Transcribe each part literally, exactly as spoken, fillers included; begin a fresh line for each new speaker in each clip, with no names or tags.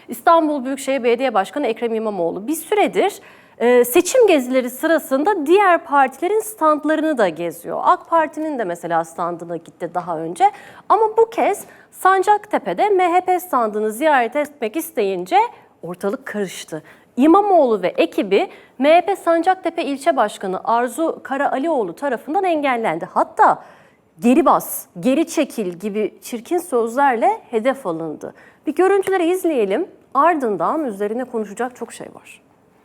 İstanbul Büyükşehir Belediye Başkanı Ekrem İmamoğlu bir süredir e, seçim gezileri sırasında diğer partilerin standlarını da geziyor. AK Parti'nin de mesela standına gitti daha önce ama bu kez Sancaktepe'de M H P standını ziyaret etmek isteyince ortalık karıştı. İmamoğlu ve ekibi M H P Sancaktepe İlçe Başkanı Arzu Karaalioğlu tarafından engellendi. Hatta geri bas, geri çekil gibi çirkin sözlerle hedef alındı. Bir görüntüleri izleyelim, ardından üzerine konuşacak çok şey var.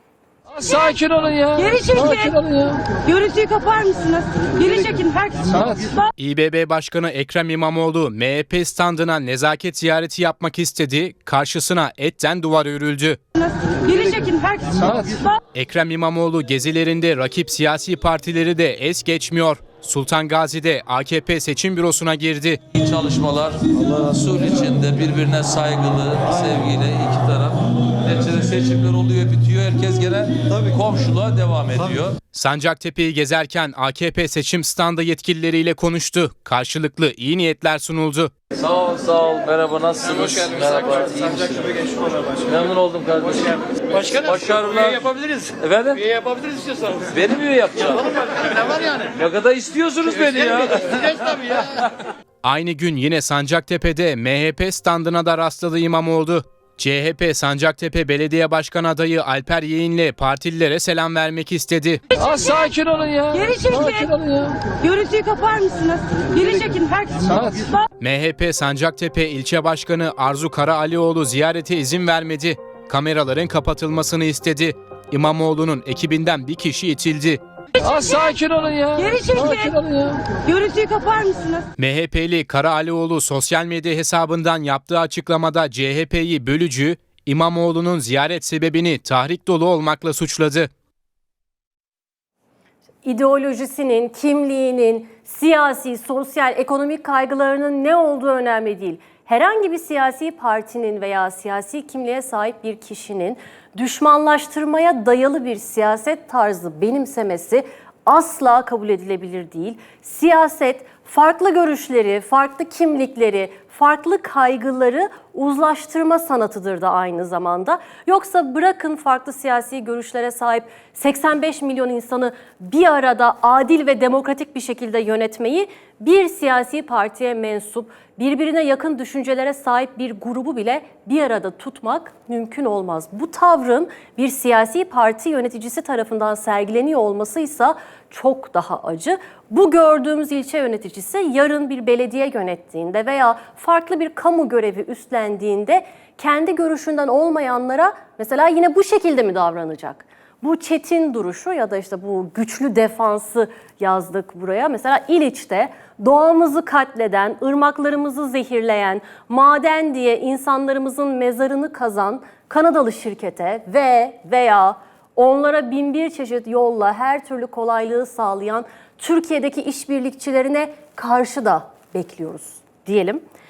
Sakin olun ya.
Geri çekin.
Sakin olun ya.
Görüntüyü kapar mısınız? Geri çekin. Herkes.
İBB Başkanı Ekrem İmamoğlu M H P standına nezaket ziyareti yapmak istedi. Karşısına etten duvar örüldü.
Geri çekin. Herkes.
Ekrem İmamoğlu gezilerinde rakip siyasi partileri de es geçmiyor. Sultan Gazi'de A K P seçim bürosuna girdi.
Çalışmalar sulh içinde birbirine saygılı, sevgiyle iki taraf. Neticede seçimler oluyor, bitiyor. Herkes gene komşuluğa devam ediyor.
Sancaktepe'yi gezerken A K P seçim standı yetkilileriyle konuştu. Karşılıklı iyi niyetler sunuldu.
Sağ ol, sağ ol. Merhaba, nasılsınız?
Hoş geldiniz.
Merhaba, iyi misiniz? Memnun oldum kardeşim.
Başkanım,
Başarılar.
üye yapabiliriz.
Efendim?
Üye yapabiliriz istiyorsanız.
Beni mi üye yapacağım?
Ne var yani?
Ne kadar istiyorsunuz beni ya?
İsteyeceğiz tabii ya.
Aynı gün yine Sancaktepe'de M H P standına da rastladı İmamoğlu. C H P Sancaktepe Belediye Başkan adayı Alper Yeğen'le partililere selam vermek istedi.
Aa, sakin olun ya.
Geri çekin.
Sakin olun ya.
Görüntüyü kapar mısınız? Geri çekin. Herkes.
M H P Sancaktepe İlçe Başkanı Arzu Karaalioğlu ziyarete izin vermedi. Kameraların kapatılmasını istedi. İmamoğlu'nun ekibinden bir kişi itildi.
Aa, sakin olun ya.
Geri çekin.
Sakin olun ya.
Görüntüyü kapar mısınız?
M H P'li Karaalioğlu sosyal medya hesabından yaptığı açıklamada C H P'yi bölücü, İmamoğlu'nun ziyaret sebebini tahrik dolu olmakla suçladı.
İdeolojisinin, kimliğinin, siyasi, sosyal, ekonomik kaygılarının ne olduğu önemli değil. Herhangi bir siyasi partinin veya siyasi kimliğe sahip bir kişinin düşmanlaştırmaya dayalı bir siyaset tarzı benimsemesi asla kabul edilebilir değil. Siyaset farklı görüşleri, farklı kimlikleri, farklı kaygıları uzlaştırma sanatıdır da aynı zamanda. Yoksa bırakın farklı siyasi görüşlere sahip seksen beş milyon insanı bir arada adil ve demokratik bir şekilde yönetmeyi, bir siyasi partiye mensup, birbirine yakın düşüncelere sahip bir grubu bile bir arada tutmak mümkün olmaz. Bu tavrın bir siyasi parti yöneticisi tarafından sergileniyor olması ise çok daha acı. Bu gördüğümüz ilçe yöneticisi yarın bir belediye yönettiğinde veya farklı bir kamu görevi üstlendiğinde kendi görüşünden olmayanlara mesela yine bu şekilde mi davranacak? Bu çetin duruşu ya da işte bu güçlü defansı yazdık buraya. Mesela İliç'te doğamızı katleden, ırmaklarımızı zehirleyen, maden diye insanlarımızın mezarını kazan Kanadalı şirkete ve veya onlara bin bir çeşit yolla her türlü kolaylığı sağlayan Türkiye'deki işbirlikçilerine karşı da bekliyoruz diyelim.